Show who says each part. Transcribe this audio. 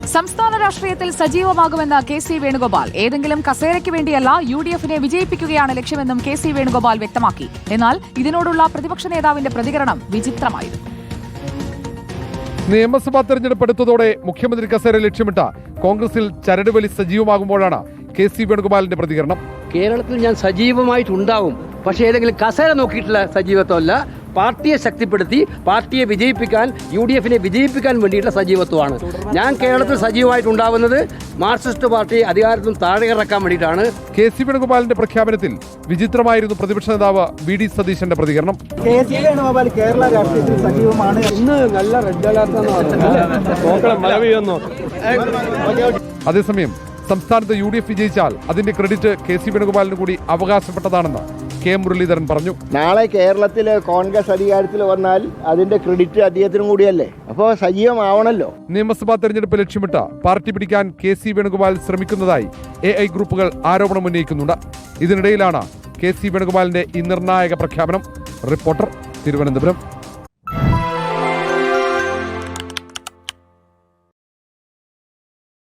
Speaker 1: സംസ്ഥാന രാഷ്ട്രീയത്തിൽ സജീവമാകുമെന്ന് കെ.സി. വേണുഗോപാൽ. ഏതെങ്കിലും കസേരയ്ക്ക് വേണ്ടിയല്ല UDF-നെ വിജയിപ്പിക്കുകയാണ് ലക്ഷ്യമെന്നും കെ.സി. വേണുഗോപാൽ വ്യക്തമാക്കി. എന്നാൽ ഇതിനോടുള്ള പ്രതിപക്ഷ നേതാവിന്റെ പ്രതികരണം വിചിത്രമായിരുന്നു.
Speaker 2: നിയമസഭാ തെരഞ്ഞെടുപ്പ് അടുത്തതോടെ മുഖ്യമന്ത്രി കസേര ലക്ഷ്യമിട്ട കോൺഗ്രസിൽ ചരടുവലി സജീവമാകുമ്പോഴാണ് കെ.സി. വേണുഗോപാലിന്റെ പ്രതികരണം.
Speaker 3: കേരളത്തിൽ ഞാൻ സജീവമായിട്ടുണ്ടാവും, പക്ഷേ ഏതെങ്കിലും കസേര നോക്കിയിട്ടുള്ള സജീവത്വമല്ല. പാർട്ടിയെ ശക്തിപ്പെടുത്തി പാർട്ടിയെ വിജയിപ്പിക്കാൻ, UDF-നെ വിജയിപ്പിക്കാൻ വേണ്ടിയിട്ടുള്ള സജീവത്വമാണ്. ഞാൻ കേരളത്തിൽ സജീവമായിട്ടുണ്ടാവുന്നത് മാർക്സിസ്റ്റ് പാർട്ടിയെ അധികാരത്തിൽ താഴെ ഇറക്കാൻ വേണ്ടിയിട്ടാണ്.
Speaker 2: കെ.സി. വേണുഗോപാലിന്റെ പ്രഖ്യാപനത്തിൽ വിചിത്രമായിരുന്നു പ്രതിപക്ഷ നേതാവ് വി.ഡി. സതീശന്റെ പ്രതികരണം.
Speaker 4: കെ.സി. വേണുഗോപാൽ കേരള രാഷ്ട്രീയത്തിൽ സജീവമാണ്.
Speaker 3: ഇന്ന് നല്ല റെഡ് അലർട്ട്.
Speaker 2: അതേസമയം സംസ്ഥാനത്ത് UDF വിജയിച്ചാൽ അതിന്റെ ക്രെഡിറ്റ് കെ.സി. വേണുഗോപാലിന് കൂടി അവകാശപ്പെട്ടതാണെന്ന് കെ. മുരളീധരൻ പറഞ്ഞു.
Speaker 5: നാളെ കേരളത്തിൽ കോൺഗ്രസ് അധികാരത്തിൽ വന്നാൽ അതിന്റെ ക്രെഡിറ്റ് അദ്ദേഹത്തിനും കൂടിയല്ലേ, അപ്പോൾ സജീവമാവണല്ലോ.
Speaker 2: നിയമസഭാ തെരഞ്ഞെടുപ്പ് ലക്ഷ്യമിട്ട് പാർട്ടി പിടിക്കാൻ കെ.സി. വേണുഗോപാൽ ശ്രമിക്കുന്നതായി AI ഗ്രൂപ്പുകൾ ആരോപണം ഉന്നയിക്കുന്നുണ്ട്. ഇതിനിടയിലാണ് കെ.സി. വേണുഗോപാലിന്റെ ഈ നിർണായക പ്രഖ്യാപനം. റിപ്പോർട്ടർ, തിരുവനന്തപുരം.